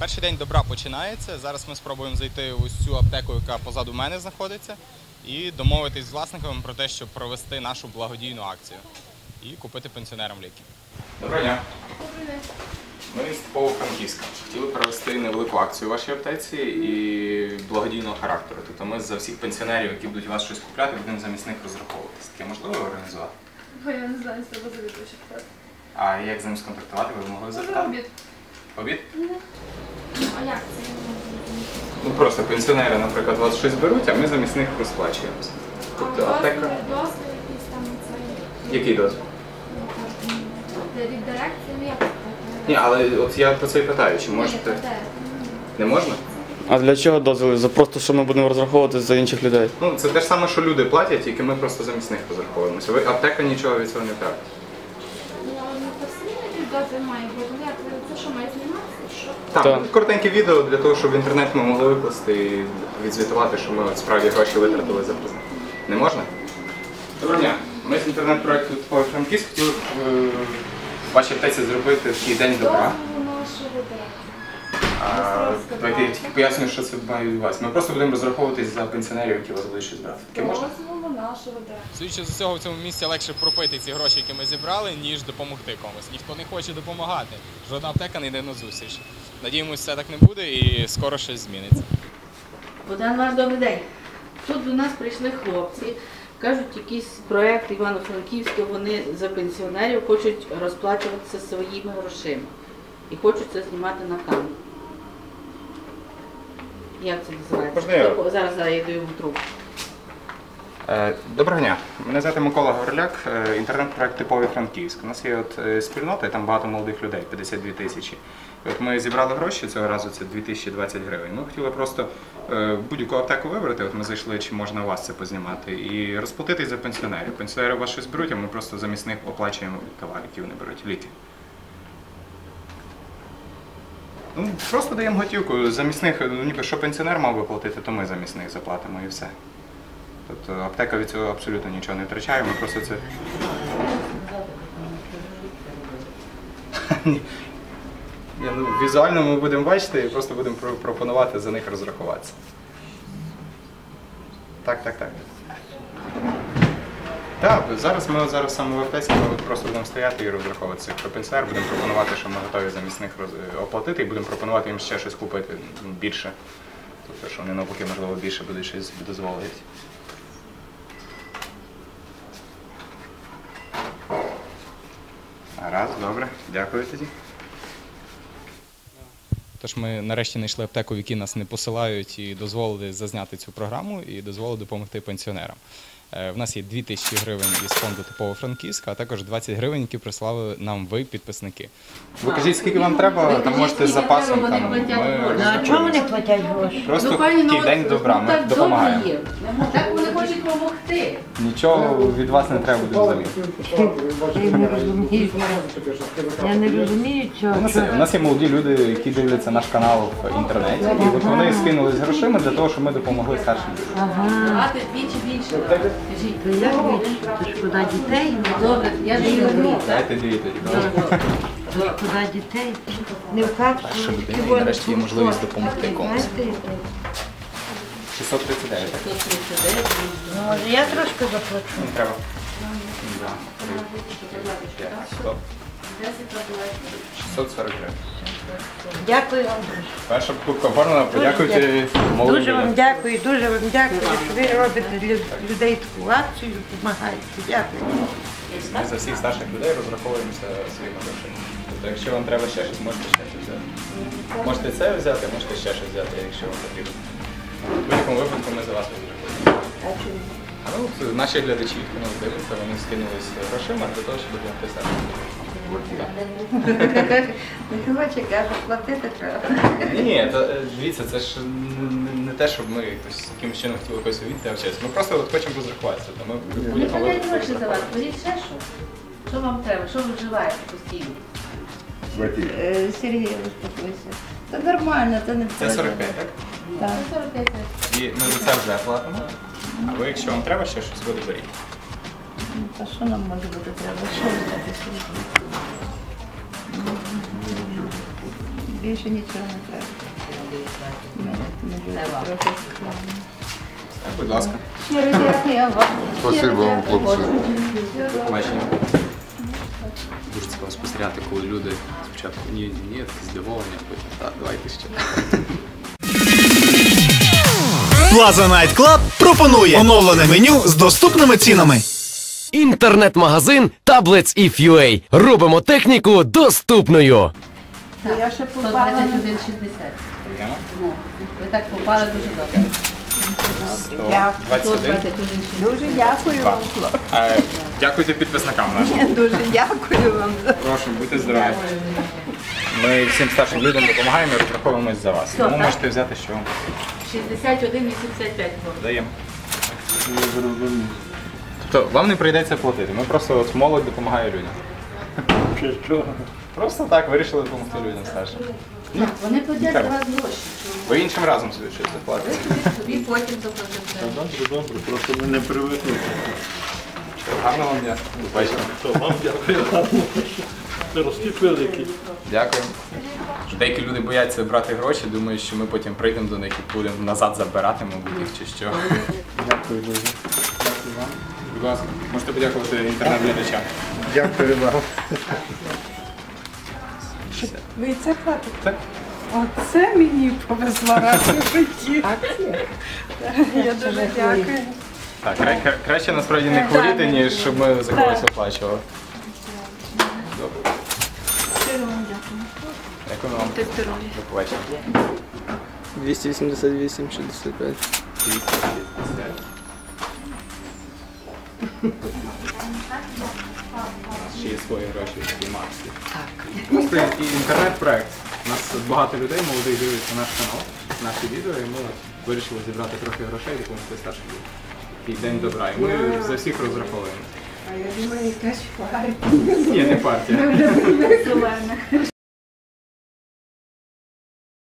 Перший день добра починається. Зараз ми спробуємо зайти в ось цю аптеку, яка позаду мене знаходиться, і домовитись з власником про те, щоб провести нашу благодійну акцію і купити пенсіонерам ліки. Доброго дня. Добрий день. Ми з Франківська. Хотіли провести невелику акцію в вашій аптеці і благодійного характеру. Тобто ми за всіх пенсіонерів, які будуть у вас щось купляти, будемо замість них розраховуватися. Таке можливо організувати? Я не знаю, з тебе завідуючи питати. А як з ним сконтактувати? Ви могли запитати? Обід. Обід? А як це? Ну просто пенсіонери, наприклад, вас щось беруть, а ми замість них розплачуємося. Тобто аптека... Дозвіл якийсь там цей. Який дозвіл? Від дирекції, ну як це? Ні, але от я про це і питаю, чи можете... Не можна? А для чого дозвіл? Просто що ми будемо розраховуватися за інших людей? Ну, це те ж саме, що люди платять, тільки ми просто замість них розраховуємося. Аптека нічого від цього не тратить. Ну, то все якийсь дозвіл має бути. Ну, як це що, має зніматися? Що? Так, коротеньке відео для того, щоб в інтернет ми могли викласти і відзвітувати, що ми от справді гроші витратили за презент. Не можна? Доброго дня. Ми з інтернет-проєкту «Типовий Франківськ» хотіли в вашій аптеці зробити такий день добра. Дозвіл нашого директора. Давайте я тільки поясню, що це має відбуватися. Ми просто будемо розраховуватись за пенсіонерів, які вас будуть щось брати. Таке можна? Дозволу нашого директора. Судячи з усього, в цьому місці легше пропити ці гроші, які ми зібрали, ніж допомогти комусь. Ніхто не хоче допомагати. Жодна аптека не йде на зустріч. Надіємося, все так не буде і скоро щось зміниться. Богдан, ваш добрий день. Тут до нас прийшли хлопці, кажуть, якийсь проєкт Івано-Франківська, вони за пенсіонерів хочуть розплачуватися своїми грошима. І хочуть це знімати на камеру. Як це називається? Можна я? Зараз я даю вам трубку. Доброго дня. Мене звати Микола Горляк, інтернет-проект «Типовий Франківськ». У нас є спільнота, і там багато молодих людей, 52 тисячі. І от ми зібрали гроші, цього разу це 2020 гривень. Ми хотіли просто будь-яку аптеку вибрати, от ми зайшли, чи можна у вас це познімати, і розплатитись за пенсіонерів. Пенсіонери у вас щось беруть, а ми просто замість них оплачуємо товар, які вони беруть, ліки. Ну, просто даємо готівку, замість них, ніби що пенсіонер мав би платити, то ми замість них заплатимо і все. Тобто аптека від цього абсолютно нічого не втрачає, ми просто це... Візуально ми будемо бачити і просто будемо пропонувати за них розрахуватися. Так. Так, зараз саме в аптеці ми просто будемо стояти і розраховуватися. Про пенсіонер будемо пропонувати, що ми готові замість них оплатити, і будемо пропонувати їм ще щось купити більше. Тобто, що вони навпаки, можливо, більше будуть щось дозволити. Раз, добре, дякую тоді. Тож ми нарешті знайшли аптеку, в якій нас не посилають, і дозволили зазняти цю програму і дозволили допомогти пенсіонерам. В нас є 2000 гривень із фонду «Типовий Франківськ», а також 20 гривень, які прислали нам ви, підписники. Ви кажіть, скільки вам треба, там можете з запасом. А чому вони платять гроші? Просто такий день добра, ми допомагаємо. Так вони хочуть допомогти. Нічого від вас не треба буде взагалі. Я не розумію цього. У нас є молоді люди, які дивляться наш канал в інтернеті, і от вони скинулись грошима для того, щоб ми допомогли старшим людям. Давати двічі більше. То як це шкода дітей? Добре, я даю дві. Дайте дві тоді, добре? Шкода дітей. Не в капсулу. Перша людина, і нарешті є можливість допомогти комусь. 639, так? 139. Ну, може я трошки заплачу. Не треба. 2, 3, 5, 100. 640 гривень. Дякую вам дуже. Перша покупка оформлена, подякуйте молодим Дуже вам людям. дякую, дуже вам дякую, що ви робите для людей таку акцію, допомагаєте. Дякую. Ми за всіх старших людей розраховуємося своїми грошима. Тобто, якщо вам треба ще щось, можете ще щось взяти. Можете це взяти, можете ще щось взяти, якщо вам потрібно. В будь-якому випадку ми за вас розрахуємо. Ну, наші глядачі, хто нас дивиться, вони скинулись грошима для того, щоб допомогти старшим людям. Не хоче, каже, платити треба. Ні, дивіться, це ж не те, щоб ми якимось чином хотіли когось віддавчатися. Ми просто от хочемо розрахуватися. Ми в Не будь-якому платять випадку гроші за вас, беріть ще що. Що вам треба? Що ви вживаєте постійно? Сергій, успокойся. Це нормально, це не Це 45, так? Так. 45 І ми за це вже платимо. А ви, якщо вам треба ще щось, ви доберіть. А що нам може бути треба? Що взяти сьогодні? Більше нічого не треба. Це вам. Будь ласка. Щиро дякую вам. Спасибо вам, хлопці. Побачення. Дуже цікаво спостерігати, коли люди спочатку ні, такі здивовані, а потім так, давайте ще. Plaza Night Club пропонує оновлене меню з доступними цінами. Інтернет-магазин Tablets If.ua. Робимо техніку доступною. Я ще попала. 121,60. Ну, ви так попали дуже добре. 21. 121,60. Дуже дякую вам. Дякуйте підписникам нашим. Дуже дякую вам. Прошу, будьте здорові. Ми всім старшим людям допомагаємо і розраховуємось за вас. Тому так? можете взяти, що 61,85. даємо. Тобто вам не прийдеться платити. Ми просто от молодь допомагає людям. Просто так вирішили допомогти людям старшим. Вони платять за вас гроші. Ви іншим разом собі щось заплатите. Тобі потім заплатите. Добре, просто ми не привикли. Гарного вам дня. До побачення. То вам дякую, гарно. Ростіть великий. Дякую. Деякі люди бояться брати гроші, думають, що ми потім прийдемо до них і будемо назад забирати, мабуть, їх чи що. Дякую дуже. Дякую вам. Будь ласка, можете подякувати інтернет-глядачам. Дякую вам. Ви це платите? Так. Оце мені повезло раз у житті. Я дуже дякую. Так, краще насправді не хворіти, ніж щоб ми за когось оплачували. Добре. Дякую вам. До побачення. 288,65. Ще є свої гроші в Максі. Просто інтернет-проект. У нас багато людей, молодих, дивляться наш канал, наші відео, і ми вирішили зібрати трохи грошей і допомогти старшим людям. І День добра. І ми за всіх розраховуємо. А я думаю, якась партія. Ні, не партія.